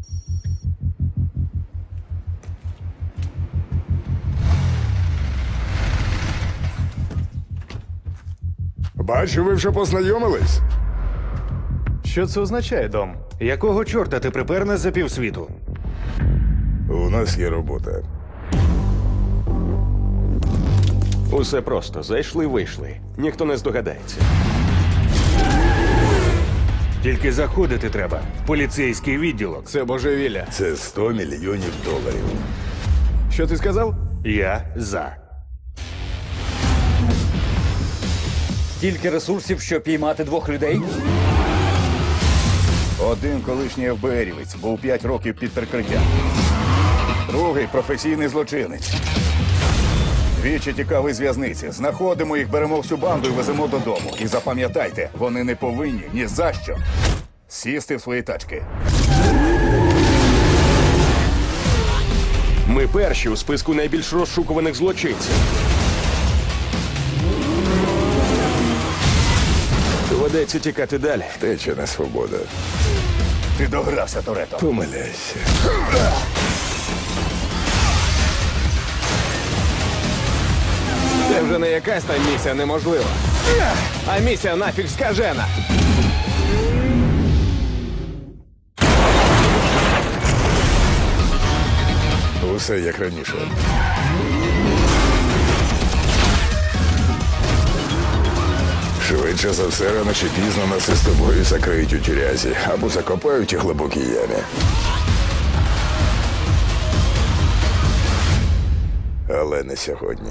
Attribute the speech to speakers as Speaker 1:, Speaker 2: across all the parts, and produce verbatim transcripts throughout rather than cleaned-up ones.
Speaker 1: Бачу, ви вже познайомились.
Speaker 2: Що це означає, Дом? Якого чорта ти припер нас за півсвіту?
Speaker 1: У нас є робота.
Speaker 3: Усе просто. Зайшли-вийшли. Ніхто не здогадається.
Speaker 2: Тільки заходити треба в поліцейський відділок.
Speaker 4: Це божевілля.
Speaker 1: Це сто мільйонів доларів.
Speaker 4: Що ти сказав?
Speaker 2: Я за.
Speaker 5: Стільки ресурсів, щоб піймати двох людей?
Speaker 6: Один колишній ефбеерівець був п'ять років під прикриттям. Другий професійний злочинець. Двічі тікав із в'язниці. Знаходимо їх, беремо всю банду і веземо додому. І запам'ятайте, вони не повинні ні за що сісти в свої тачки.
Speaker 3: Ми перші у списку найбільш розшукуваних злочинців. Доведеться тікати далі.
Speaker 1: Тече на свобода.
Speaker 6: Ти догрався, Торетто.
Speaker 1: Помиляйся.
Speaker 4: Це вже не якась там місія неможлива. А місія нафіг скажена.
Speaker 1: Усе як раніше. Швидше за все, рано чи пізно нас із тобою закриють у тюрязі або закопають у глибокій ямі. Але не сьогодні.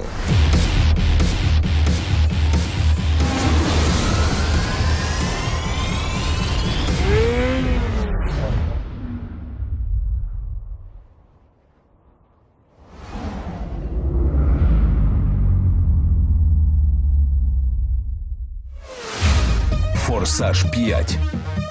Speaker 7: Форсаж п'ять.